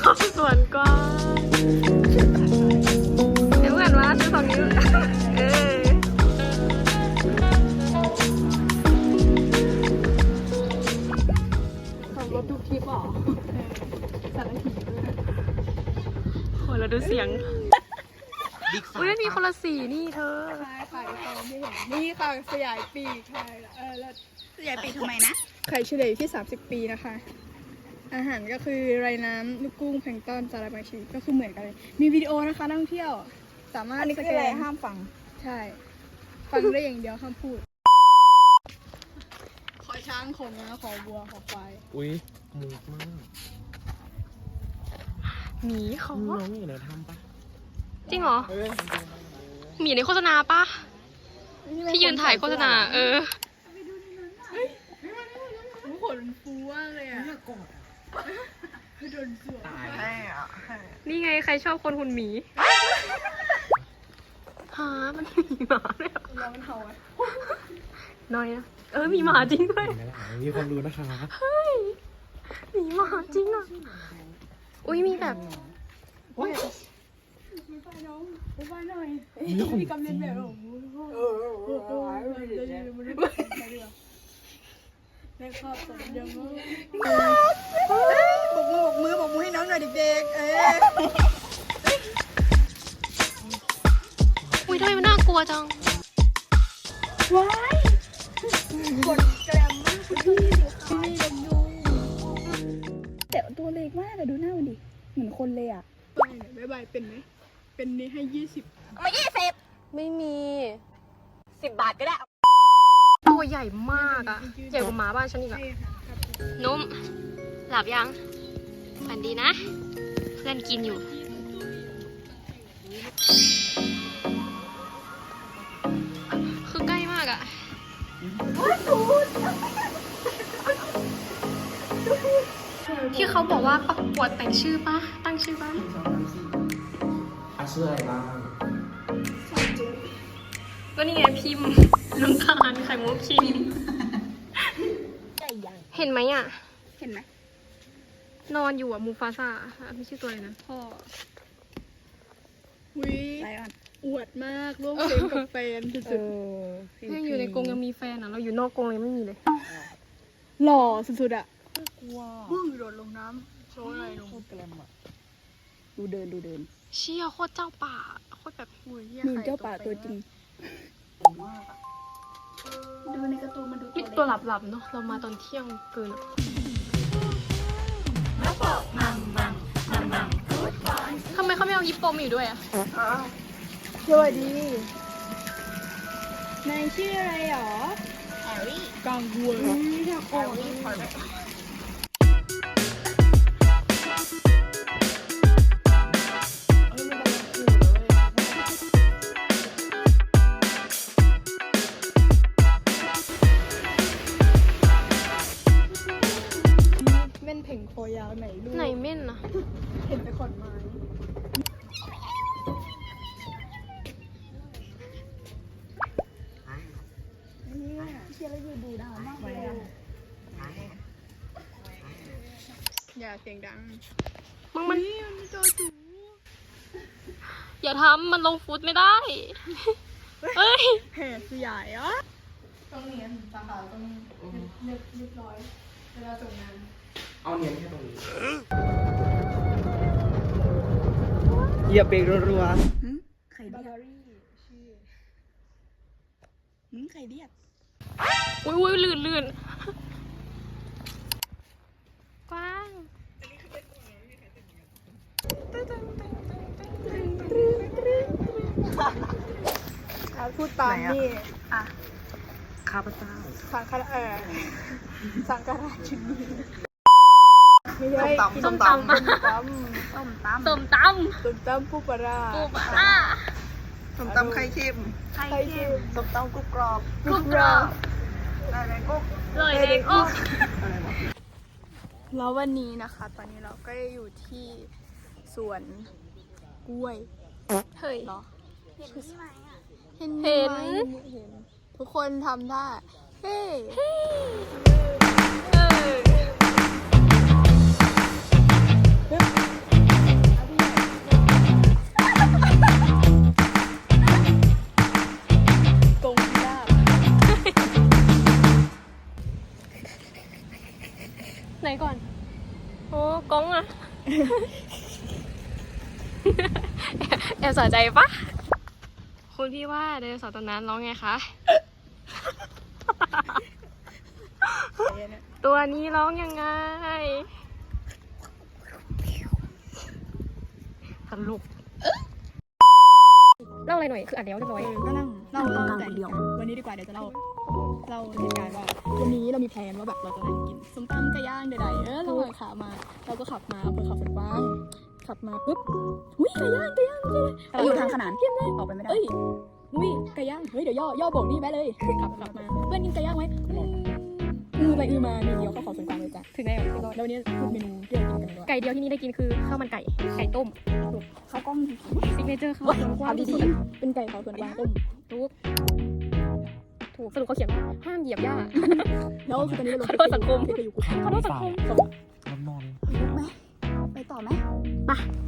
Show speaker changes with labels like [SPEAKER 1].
[SPEAKER 1] สวนกวางเดี๋ยวเพื่อนมาซื้อ2 นิ้วขับรถทุกทริปหรอสารถีโหเราดูเสียงอุ้ยมีคนละสีนี่เธอ
[SPEAKER 2] ใช่ค่ะตอนที่เห็นนี่ค่ะสยายปีกค่ะแล้วสยายปีกทำไมนะไข่เฉลี่ยอยู่ที่30 ปีนะคะอาหารก็คือไรน้ำลูกกุ้งแพลงก์ต้นสาหร่ายบางชนิดก็คือเหมือนกันเลยมีวิดีโอนะคะนักท่องเที่ยวสามารถสแกนห้ามฟังใช่ฟังได้อย่างเดียวห้ามพูดขอช้างขอม้าขอวัวขอควาย
[SPEAKER 3] อุ้ยมูกมาก
[SPEAKER 1] หมีเขา
[SPEAKER 3] น้องอยู่ในถ้ำปะ
[SPEAKER 1] จริงเหรอหมีในโฆษณาปะที่ยืนถ่ายโฆษณา
[SPEAKER 2] ขนฟูมากเลยอ่ะโดนสวมตาย
[SPEAKER 1] นี่ไงใครชอบคนหุ่นหมีหามันมีหมาด้วย
[SPEAKER 2] แล้วมันเห่าไหม
[SPEAKER 1] น้อยนะมีหมาจริงด้วย
[SPEAKER 3] มีความรู้นะคะ
[SPEAKER 1] เฮ้ยมีหมาจริงอ่ะอุ้ยมีแบบ
[SPEAKER 2] ไม่ไปน้องไม่ไปหน่อยมีกำเนิดแบบได้ครอบสัญญามือบมือให้น้องหน่อยเด็ก
[SPEAKER 1] อุ้ยทำไมมันน่ากลัวจัง
[SPEAKER 2] ว้ายกดแกรมมากคุณพี่ดูแต่ตัวเล็กมากอะดูหน้ามันดิเหมือนคนเลยอะบายเป็นไหมเป็นนี้ให้20
[SPEAKER 4] ไม่20
[SPEAKER 1] ไม่มี
[SPEAKER 4] 10 บาทก็ได้
[SPEAKER 1] ตัวใหญ่มากอะใหญ่กว่าหมาบ้านฉันอีกอะนุ่มหลับยังฝันดีนะเพื่อนกินอยู่คือใกล้มากอะที่เขาบอกว่าประกวดแต่งชื่อปะตั้งชื่อปะ
[SPEAKER 3] ชื่ออะไรบ้าง
[SPEAKER 1] ก็นี่ไงพิมพ์น้ำตาลไข่มุกคิมเห็นไหมอ่ะ
[SPEAKER 2] เห็นไหม
[SPEAKER 1] นอนอยู่อ่ะมูฟาซ่าไม่ใช่ตัวอะไรนะพ่อ
[SPEAKER 2] อวดมากร่วมเฟรมกับแฟนสุด
[SPEAKER 1] ๆยังอยู่ในกรงยังมีแฟนอ่ะเราอยู่นอกกรงยังไม่มีเลย
[SPEAKER 2] หล่อสุดๆอ่ะบึ้งโดดลงน้ำโชว์อะไรลงดูเดิน
[SPEAKER 1] เชี่ยโคตรเจ้าป่าโคตรแบบ
[SPEAKER 2] มีเจ้าป่าตัวจริงดูในการ์ตูนมันดู
[SPEAKER 1] ตัวหลับๆเนาะเรามาตอนเที่ยงเกินทำไมเขาไม่เอาฮิปโปมาอยู่ด้วยอ่ะ
[SPEAKER 2] สวัสดีนายชื่ออะไรหรอ
[SPEAKER 4] แฮร์รี่
[SPEAKER 2] กังวลอยากออกเม่นเพ่งคอยาวไหนลูก
[SPEAKER 1] ไหนเม่นนะ
[SPEAKER 2] เห็นไปขอนไม้เชียร์แล้วอยู่ดูดาวมากเลยอย่าเสียงดัง
[SPEAKER 1] มัน
[SPEAKER 2] โจจู
[SPEAKER 1] อย่าทำมันลงฟุตไม่ได้เฮ้ย
[SPEAKER 2] แห่สยายอ่ะต้องเนียนสาขาต้องเรียบร้อยเวลาส่งงาน
[SPEAKER 3] เอาเนียนแค่ตรงนี้เหยียบเบรกรัว
[SPEAKER 2] ๆไข่เดียดไข่เดียด
[SPEAKER 1] อุ้ยลื่นกว้าง
[SPEAKER 2] พูดตามนี่
[SPEAKER 3] ข้าพเจ้า
[SPEAKER 2] สังฆราชินีไม่ใช่
[SPEAKER 1] ส้มตำ
[SPEAKER 2] ปูปลา
[SPEAKER 4] ส้มตำไข่เค็มส้มตำกรุบกรอบอะไรกุ๊ก
[SPEAKER 1] เลยเด็กอุ๊ก
[SPEAKER 2] แล้ววันนี้นะคะตอนนี้เราก็อยู่ที่สวนกล้วย
[SPEAKER 1] เฮ้ย
[SPEAKER 2] เหรอ
[SPEAKER 4] เห็นไหมอ่ะ
[SPEAKER 2] เห็นทุกคนทำได้เฮ้
[SPEAKER 1] แอบสนใจปะคุณพี่ว่าไดโนเสาร์ตอนนั้นร้องไงคะ ตัวนี้ร้องยังไงตลกเล่าอะไรหน่อย คืออ่านแล้วเรียบร้อย
[SPEAKER 2] ก็นั่งเล่าแต่เดียววันนี้ดีกว่าเดี๋ยวจะเล่าเหตุการณ์ว่าวันนี้เรามีแพลนว่าแบบเราจะนั่งกินส้มตำไก่ย่างใดๆระหว่างขามาเราก็ขับมาอำเภอเขาสวนกว้างขับมาปุ๊บหุ้ยไก่ย่างใช่เลย
[SPEAKER 4] แต่อยู่ทางขนาน
[SPEAKER 2] เยี่ยมเลย
[SPEAKER 4] ออกไปไม่ได้
[SPEAKER 2] เอ้ยหุ้ยไก่ย่างเฮ้ยเดี๋ยวย่อโบกนี่แม่เลยขับมาเพื่อนกินไก่ย่างไหมไปมามีเดียวเข้าเขาสวนกวางเลยจ้ะ
[SPEAKER 1] ถึงได้แบบ
[SPEAKER 2] แล้ววันนี้พูดเมนูที่เรากินกันดีกว่า
[SPEAKER 1] ไก่เดียวที่นี่ได้กินคือข้าวมันไก่ ไก่ต้ม
[SPEAKER 2] ข้าวกล้อง
[SPEAKER 1] ซิกเนเจอร์ข้าวมันกว้างที่สุด
[SPEAKER 2] เป็นไก่เขาสวนกวางต้ม
[SPEAKER 1] ถูกสรุปเขาเขียนว่าห้ามเหยียบหญ้า
[SPEAKER 2] แล้วคือตอนนี้เรา
[SPEAKER 1] ขอโทษสังคม
[SPEAKER 2] ไปอยู่กู
[SPEAKER 1] ขอโทษสังคม
[SPEAKER 3] น้ำนอน
[SPEAKER 4] ลุกไหมไปต่อไหม
[SPEAKER 1] ไป